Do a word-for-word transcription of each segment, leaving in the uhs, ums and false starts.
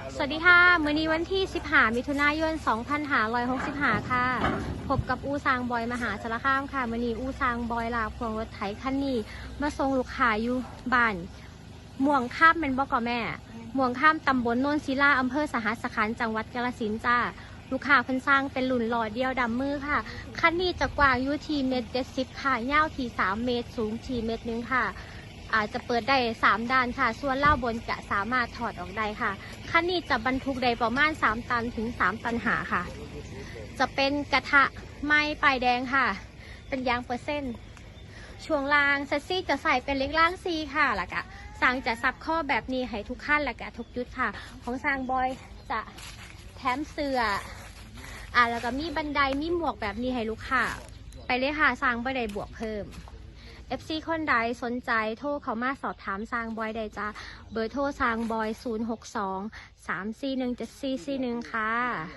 สวัสดีค่ะมื้อนี้วันที่สิบห้ามิถุนายนสองพันห้าร้อยหกสิบห้าค่ะพบกับอูซางบอยมหาสารคามค่ะมื้อนี้อูซางบอยลาพวงรถไถคันนี้มาส่งลูกค้าอยู่บ้านม่วงข้ามเป็นบ่ก่อแม่ม่วงข้ามตำบลโนนศิลาอำเภอสหัสขันธ์จังหวัดกาฬสินธุ์จ้าลูกค้าเพิ่นสร้างเป็นหลุนหล่อเดียวดำมือค่ะคันนี้จะกว้างอยู่ที่เมตรเจ็ดสิบค่ะยาวที่สามเมตรสูงที่เมตรนึงค่ะอาจจะเปิดได้สามด้านค่ะส่วนเล่าบนจะสามารถถอดออกได้ค่ะคันนี้จะบรรทุกได้ประมาณสามตันถึงสามตันหาค่ะจะเป็นกระทะไม้ปลายแดงค่ะเป็นยางเปอร์เซ็นต์ช่วงล่างเซสซี่จะใส่เป็นเล็กล่างซีค่ะแล้วก็สร้างจะซับข้อแบบนี้ให้ทุกขั้นแล้วก็ทุกจุดค่ะของสร้างบอยจะแถมเสื้ออ่าแล้วก็มีบันไดมีหมวกแบบนี้ให้ลูกค้าไปเลยค่ะสร้างบ่ได้บวกเพิ่มเอฟ ซี คนใดสนใจโทรเขามาสอบถามสร้างบอยได้จ้าเบอร์โทรสร้างบอยศูนย์ หก สอง สาม สี่ หนึ่ง เจ็ด สี่ สี่ หนึ่งค่ะ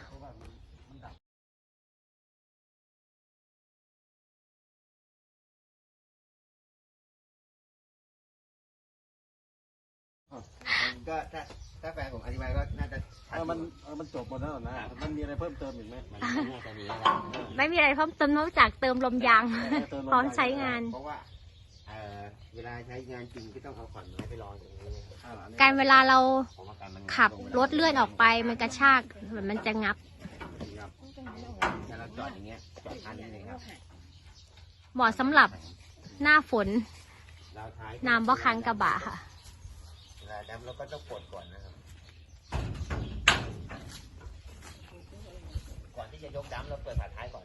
ก็ถ้าถ้าแฟนผมอธิบายก็น่าจะเออมันเออมันจบหมดแล้วนะมันมีอะไรเพิ่มเติมอีกไหมมันน่าจะมีไม่มีอะไรเพิ่มเติมนอกจากเติมลมยางพร้อมใช้งานเพราะว่าเอ่อเวลาใช้งานจริงก็ต้องเอาขอนไม้ไปรองอย่างนี้การเวลาเราขับรถเลื่อนออกไปมันกระชากมันจะงับถ้าเราจอดอย่างเงี้ยจอดทันนี่ครับเหมาะสำหรับหน้าฝนเราท้ายน้ำบ่คันกระบะค่ะเวลาดำเราก็ต้องปลดก่อนนะครับก่อนที่จะยกดำเราเปิดฝาท้ายก่อน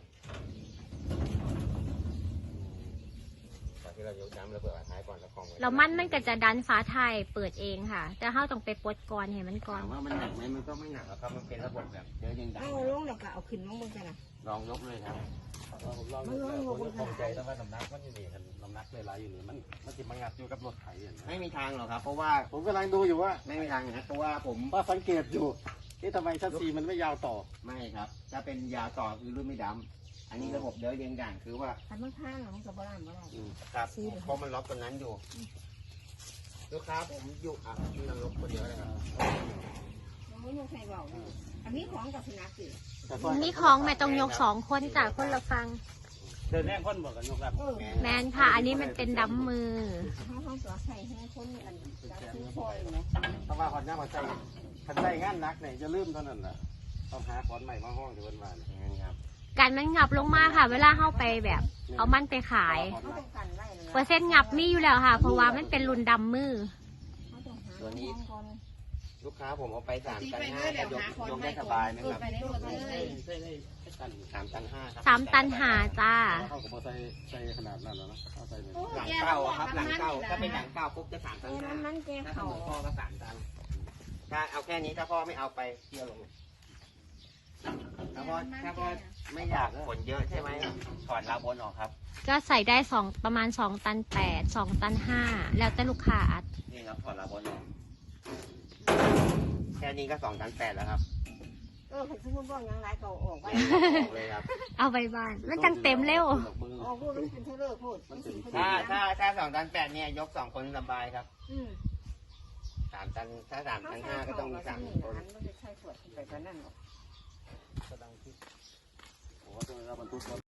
ก่อนที่เรายกดำเราเปิดฝาท้ายก่อนแล้วคล้องไว้แล้วมันมันก็จะดันฝาท้ายเปิดเองค่ะแต่เราต้องไปปลดก่อนเห็นมันก่อนถามว่ามันหนักไหมมันก็ไม่หนักหรอกครับมันเป็นระบบแบบเดินยังดังเอาลงแล้วก็เอาขึ้นลงบนกันนะลองยกเลยครับผมลองดูแล้วผมคงใจแล้วว่าน้ำหนักมันอยู่นี่น้ำหนักเลยหลายอยู่นี่มันมันจะมางัดอยู่กับรถไถไม่มีทางหรอกครับเพราะว่าผมกำลังดูอยู่ว่าไม่มีทางนะเพราะว่าผมว่าสังเกตอยู่ที่ทำไมชัดซีมันไม่ยาวต่อไม่ครับถ้าเป็นยาวต่อคือรุ่นไม่ดำอันนี้ระบบเดินเรียงด่างคือว่าถ้ามันข้างมันก็บ้านบ้านครับเพราะมันล็อกตรงนั้นอยู่ลูกค้าผมอยู่อ่ะที่นั่งรถคนเดียวเลยครับมันไม่ใช่เบาอันนี้ของกับสุนัขสิมีของแม่ต้องยกสองคนจากคนละฟังเดินแน่คนบอกกันยกรับแมนค่ะอันนี้มันเป็นดำมือเขาเขาตัวใส่ให้คนอันซื้อคอยไหมเพราะว่าคนนี้มาใส่คันใส่งานนักเนี่ยจะลืมเท่านั้นแหละต้องหาขอนใหม่มาห้องเดี๋ยววันวานนี่ครับการมันงับลงมาค่ะเวลาเข้าไปแบบเอามันไปขายเปอร์เซ็นต์งับมีอยู่แล้วค่ะเพราะว่ามันเป็นรุ่นดำมือตัวนี้ลูกค้าผมเอาไปสามตันห้ายกยกได้สบายไหมครับสามตันห้าสามตันหาจ้าเขาก็ใส่ใส่ขนาดนั้นแล้วนะเอาใส่หลังเก้าครับหลังเก้าถ้าเป็นหลังเก้าปุ๊บจะสามตันห้าถ้าเสมอพ่อก็สามตันถ้าเอาแค่นี้ถ้าพ่อไม่เอาไปเที่ยวลงถ้าพ่อถ้าพ่อไม่อยากผลเยอะใช่ไหมถอดลาบนออกครับก็ใส่ได้สองประมาณสองตันแปดสองตันห้าแล้วแต่ลูกค้าอัดนี่ครับถอดลาบนออกแค่นี้ก็สองตันแปดแล้วครับเออผมซื้อมุ้งบ้องยังไรก็ออกไปเลยครับเอาไปบ้านมันจังเต็มเร็วอ๋อพูดเป็นเท่าเลิกพูดถ้าถ้าถ้าสองตันแปดเนี่ยยกสองคนสบายครับอืมสามตันถ้าสามตันห้าก็ต้องมีสามคนมันจะใช่ส่วนไปกันนั่นหรอกโอ้โหเราบรรทุก